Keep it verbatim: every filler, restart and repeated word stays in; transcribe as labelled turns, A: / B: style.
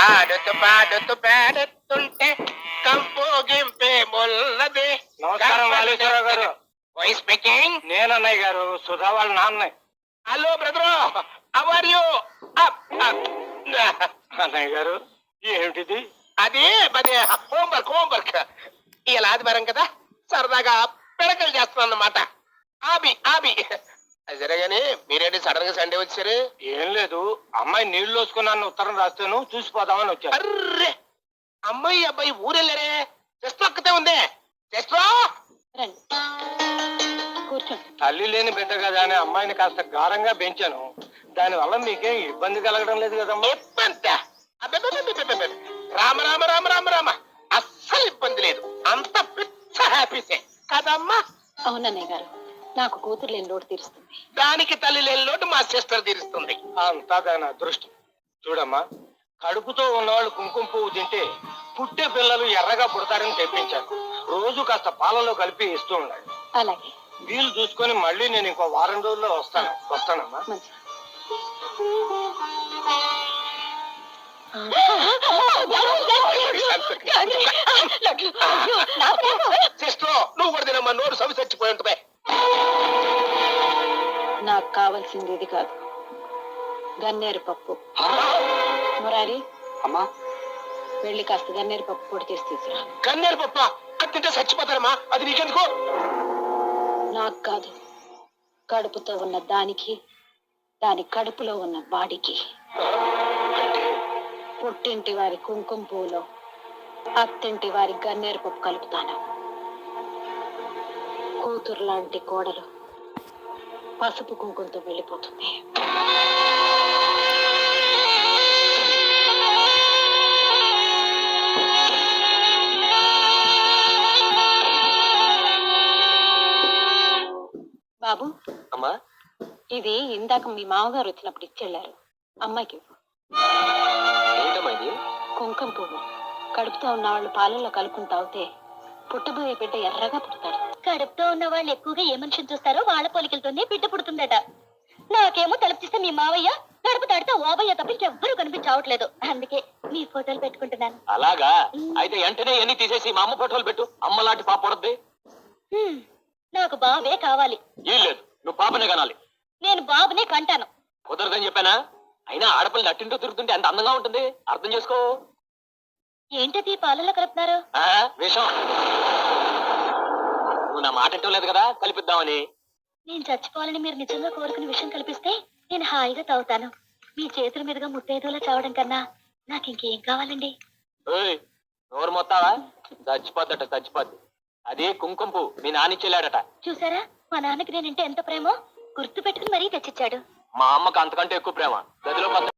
A: ఆడుతూ పాడుతూ పాడుతుంటే కంపు గింపే మొల్లది.
B: నమస్కారం వాలేశ్వరరావు గారు.
A: Voice speaking.
B: నేను అన్నయ్య గారు, సుధా వాళ్ళ నాన్న.
A: Hello brother, how are you?
B: అన్నయ్య గారు, ఏమిటిది?
A: అది అదే హోంవర్క్ హోంవర్క్. ఇలా ఆదివారం కదా, సరదాగా పిడకలు చేస్తున్నాను అన్నమాట. ఆబి ఆబి సరేగాని మీరేంటి సడన్ గా సండే వచ్చారు?
B: ఏం లేదు, అమ్మాయి నీళ్లు వేసుకున్నాను ఉత్తరం రాస్తాను చూసిపోదామని వచ్చాను.
A: అర్రే, అమ్మాయి అబ్బాయి ఊరెళ్ళారే, చెస్ట్ ఒక్కతే ఉందే. చెస్ట్
C: కూర్చోండి.
B: తల్లి లేని బిడ్డ కదా అని అమ్మాయిని కాస్త గారంగా పెంచాను. దాని వల్ల మీకేం ఇబ్బంది కలగడం లేదు కదమ్మా?
A: ఇబ్బంది? అబ్బబ్బబ్బబ్బబ్బబ్బ. రామ రామ రామ రామ రామ, అస్సలు ఇబ్బంది లేదు. అంత పిచ్చ హ్యాపీసే కదమ్మా.
C: అవునన్నయ్య గారు, నాకు కూతురు లేని లోటు తీరుస్తుంది.
A: దానికి తల్లి లేని లోటు మా సిస్టర్ తీరుస్తుంది.
B: అంతా దాని అదృష్టం. చూడమ్మా, కడుపుతో ఉన్నవాళ్ళు కుంకుమ పువ్వు తింటే పుట్టే పిల్లలు ఎర్రగా పుడతారని తెప్పించాను. రోజు కాస్త పాలలో కలిపి ఇస్తూ ఉండాలి.
C: అలాగే.
B: వీలు చూసుకొని మళ్ళీ నేను ఇంకో వారం రోజుల్లో వస్తాను. వస్తానమ్మా.
C: మంచి
A: సిస్టర్, నువ్వు కూడా తినమ్మా, నోరు సవి చచ్చిపోయి ఉంటుంది.
C: నాకు కావాల్సింది ఇది కాదు, గన్నేరు పప్పు. మురారి,
B: అమ్మా,
C: వెళ్ళి కాస్త గన్నేరు పప్పు పొడి చేసి తీసుకురా.
A: కన్నేరు పప్ప అది తింటే చచ్చిపోతారమ్మా. అది నీకెందుకు?
C: నాకు కాదు, కడుపుతో ఉన్న దానికి, దాని కడుపులో ఉన్న వాడికి. పుట్టింటి వారి కుంకుమ పువ్వులో అత్తింటి వారి గన్నేరు పప్పు కలుపుతాను. కూతురు లాంటి కోడలు పసుపు కుంకుమతో వెళ్ళిపోతుంది. బాబు,
B: అమ్మా,
C: ఇది ఇందాక మీ మామగారు వచ్చినప్పుడు ఇచ్చెళ్ళారు. అమ్మాయికి ఇవ్వు.
B: ఏంటమ్మా ఇది?
C: కుంకుమ పువ్వు. కడుపుతో ఉన్న వాళ్ళు పాలల్లో కలుపుకుని తాగితే పుట్టబోయే బిడ్డ ఎర్రగా పుడతాడు.
D: కడుపుతో ఉన్న వాళ్ళు ఎక్కువగా ఏ మనిషిని చూస్తారో వాళ్ళ పోలికలతోనే బిడ్డ పుడుతుందట. నాకేమో తలుపుతిస్తే మీ మావయ్య, గడుపు తాడితే ఓబయ్య తప్ప ఇంకెవ్వరూ కనిపించవట్లేదు. అందుకే మీ ఫోటోలు పెట్టుకుంటున్నాను.
B: అలాగా? అయితే వెంటనే ఎన్ని తీసేసి మా అమ్మ ఫోటోలు పెట్టు. అమ్మ లాంటి పాప పడద్ది.
D: హ్మ్, నాకు బాబే కావాలి.
B: ఏం లేదు, నువ్వు పాపనే కనాలి.
D: నేను బాబునే కంటాను.
B: కుదరదని చెప్పానా? అయినా ఆడపిల్ల నట్టింటూ తిరుగుతుంటే ఎంత అందంగా ఉంటుంది, అర్థం చేసుకో.
D: ఏంటది పాలలో కలుపుతున్నారు?
B: ఆ విషం. నువ్వు నా మాట అంటూ లేదు కదా, కలిపిద్దామని.
D: నేను చచ్చిపోవాలని మీరు నిజంగా కోరుకునే విషయం కల్పిస్తే నేను హాయిగా తాగుతాను. మీ చేతుల మీదుగా ముత్తైదులా చావడం కన్నా నాకు ఇంకేం కావాలండి?
B: ఓయ్, నోరు మొత్తావా? చచ్చిపోద్దట, చచ్చిపోద్ది. అది కుంకుమ పువ్వు మీ నానిచ్చెళ్ళాడట.
D: చూసారా, మా నాన్నకి నేనంటే ఎంత ప్రేమో గుర్తు పెట్టుకుని మరీ తెచ్చిచ్చాడు.
B: మా అమ్మకు అంతకంటే ఎక్కువ ప్రేమ. గదిలో